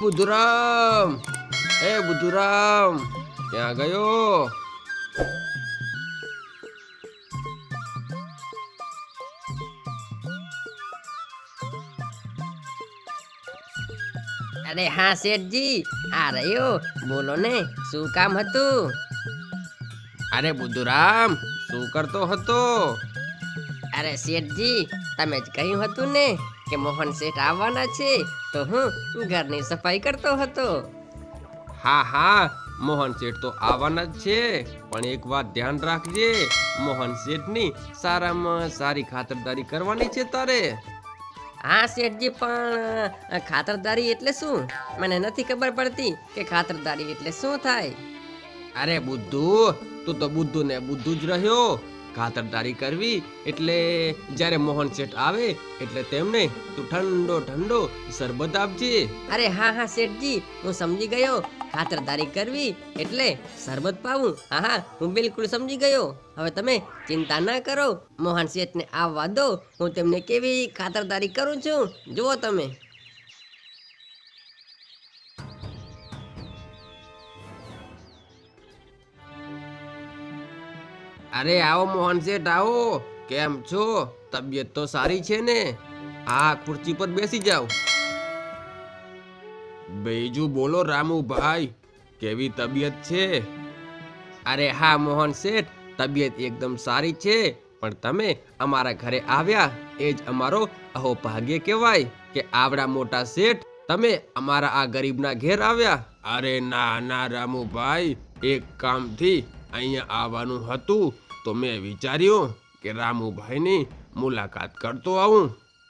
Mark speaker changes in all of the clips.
Speaker 1: બુધુરામ, એ બુધુરામ, ક્યાં ગયો?
Speaker 2: અરે હા શેઠજી, આ રહ્યો. બોલો ને, શું કામ હતું?
Speaker 1: અરે બુધુરામ, શું કરતો હતો?
Speaker 2: અરે શેઠજી, તમે જ કહ્યું હતું ને કે મોહન શેઠ આવવાના છે, તો હું ઘરની સફાઈ કરતો હતો.
Speaker 1: હા હા, મોહન શેઠ તો આવવાના જ છે, પણ એક વાત ધ્યાન રાખજે, મોહન શેઠની સારામાં સારી ખાતરદારી કરવાની છે તારે.
Speaker 2: હા શેઠજી, પણ ખાતરદારી એટલે શું? મને નથી ખબર પડતી કે ખાતરદારી એટલે શું થાય.
Speaker 1: અરે બુદ્ધુ, તું તો બુદ્ધુ ને બુદ્ધુ જ રહ્યો. ખાતરદારી કરવી એટલે જ્યારે મોહન શેઠ આવે એટલે તેમને તું ઠંડો ઠંડો શરબત આપજે.
Speaker 2: અરે હા હા શેઠજી, હું સમજી ગયો. ખાતરદારી કરવી એટલે શરબત પાવું. હા હા, હું બિલકુલ સમજી ગયો. હવે તમે ચિંતા ના કરો, મોહન શેઠને આવવા દો. હું તેમને કેવી ખાતરદારી કરું છું, જુઓ તમે.
Speaker 1: અરે આવો મોહન શેઠ આવો. કેમ છો? તબિયત તો સારી છે ને? આ ખુરશી પર બેસી જાઓ. બીજું બોલો રામુભાઈ, કેવી તબિયત છે? અરે હા મોહન શેઠ, તબિયત એકદમ સારી છે, પણ તમે અમારા ઘરે આવ્યા એ જ અમારો અહોભાગ્ય કહેવાય કે આવડા મોટા શેઠ તમે અમારા આ ગરીબના ઘેર આવ્યા. અરે ના ના રામુભાઈ, એક કામથી અહીંયા આવવાનું હતું તો મેં વિચાર્યું કે રામુભાઈની મુલાકાત કરતો આવું.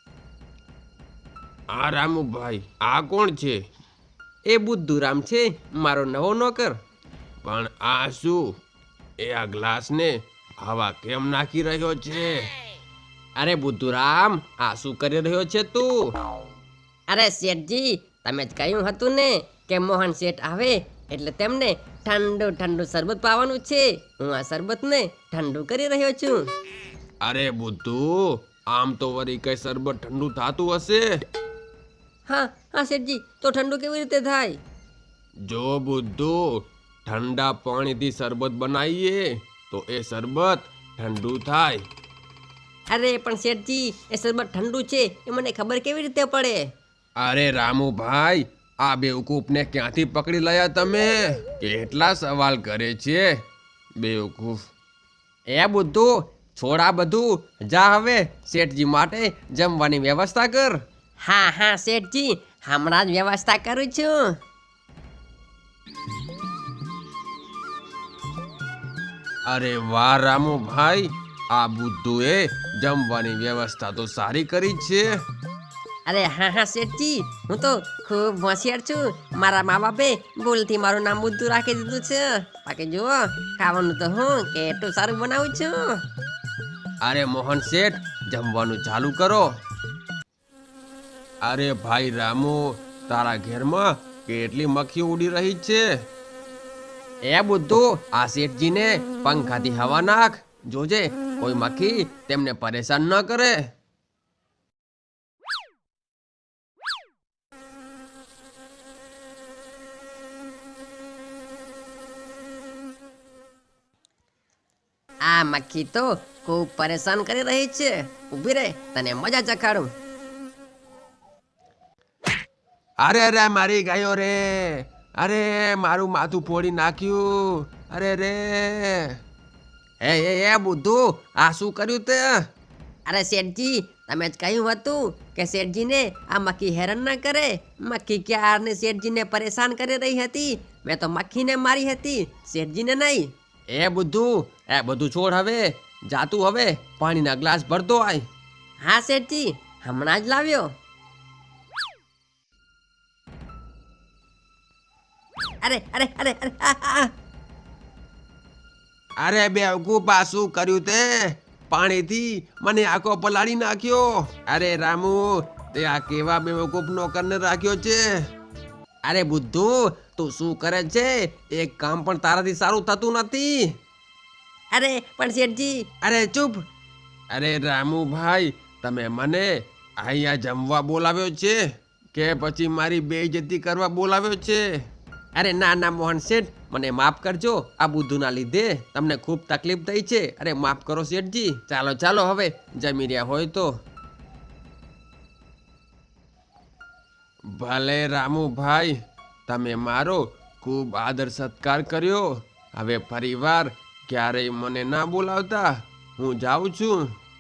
Speaker 1: આ રામુભાઈ, આ કોણ છે? એ બુદ્ધુરામ છે, મારો નવો નોકર. પણ આ શું? એ આ ગ્લાસને હવા કેમ નાખી રહ્યો છે? અરે બુદ્ધુરામ, આ શું કરી રહ્યો છે તું?
Speaker 2: અરે શેઠજી, તમે જ કહ્યું હતું ને કે મોહન શેઠ આવે એટલે તેમને ઠંડુ ઠંડુ શરબત પાવાનું છે. હું આ શરબતને ઠંડુ કરી રહ્યો છું.
Speaker 1: અરે બુદ્ધુ, આમ તો વળી કઈ શરબત ઠંડુ થાતું હશે?
Speaker 2: હા હા શેઠજી, તો ઠંડુ કેવી રીતે થાય?
Speaker 1: જો બુદ્ધુ, ઠંડા પાણીથી શરબત બનાવીએ તો એ શરબત ઠંડુ થાય.
Speaker 2: અરે પણ શેઠજી, એ શરબત ઠંડુ છે એ મને ખબર કેવી રીતે પડે?
Speaker 1: અરે રામુભાઈ, આ બેવકૂફને ક્યાંથી પકડી લાયા તમે? કેટલા સવાલ કરે છે બેવકૂફ. એ બુદ્ધુ, છોડ આ બધું, જા હવે શેઠજી માટે જમવાની વ્યવસ્થા કર.
Speaker 2: હા હા શેઠજી, હમણાં જ વ્યવસ્થા કરું છું.
Speaker 1: અરે વાહ રામુભાઈ, આ બુદ્ધુએ જમવાની વ્યવસ્થા તો સારી કરી છે.
Speaker 2: અરે હા હા શેઠજી, હું તો ખૂબ હોશિયાર છું. મારા મા બાપે ભૂલથી મારું નામ બુદ્ધુ રાખી દીધું છે. બાકી જુઓ, ખાવાનું તો હું કેટલું સારું બનાવું છું.
Speaker 1: અરે મોહન શેઠ, જમવાનું ચાલુ કરો. અરે ભાઈ રામુ, તારા ઘેરમાં કેટલી મક્ખી ઉડી રહી છે. એ બુદ્ધુ, આ શેઠજીને પંખાથી હવા નાખ. જોજે કોઈ મક્ખી તેમને પરેશાન ન કરે.
Speaker 2: આ મક્ખી તો ખૂબ પરેશાન કરી રહી છે. ઊભી રહે, તને મજા ચખાડું.
Speaker 1: અરે અરે મારી ગયો રે. અરે મારું માથું ફોડી નાખ્યું. અરે રે. એ બુદ્ધુ, આ શું કર્યું તે?
Speaker 2: અરે શેઠજી, તમે જ કહ્યું હતું કે શેઠજીને આ મક્ખી હેરાન ન કરે. મક્ખી ક્યારને શેઠજીને પરેશાન કરી રહી હતી. મેં તો મક્ખીને મારી હતી, શેઠજીને નહીં.
Speaker 1: એ બુદ્ધુ, એ બધું છોડ હવે. જાતું હવે પાણીના ગ્લાસ ભરતો આય.
Speaker 2: હા શેઠજી, હમણાં જ લાવ્યો. અરે અરે અરે અરે
Speaker 1: અરે બેવકૂફ, આ શું કર્યું તે? પાણીથી મને આખો પલાળી નાખ્યો. અરે રામુ, તે આ કેવા બેવકૂફ નોકરને રાખ્યો છે? અરે બુદ્ધુ, તું શું કરે છે? એક કામ પણ તારાથી સારું થતું નથી.
Speaker 2: અરે પણ શેઠજી.
Speaker 1: અરે ચૂપ. અરે રામુભાઈ, તમે મને અહીંયા જમવા બોલાવ્યો છે, કે પછી મારી બેઇજ્જતી કરવા બોલાવ્યો છે? અરે ના ના મોહન શેઠ, મને માફ કરજો. આ બુદ્ધુના લીધે તમને ખૂબ તકલીફ થઈ છે. અરે માફ કરો શેઠજી. ચાલો ચાલો હવે જમી રહ્યા હોય તો. ભલે રામુભાઈ, તમે મારો ખૂબ આદર સત્કાર કર્યો. હવે ફરીવાર ક્યારેય મને ના બોલાવતા. હું જાઉં છું.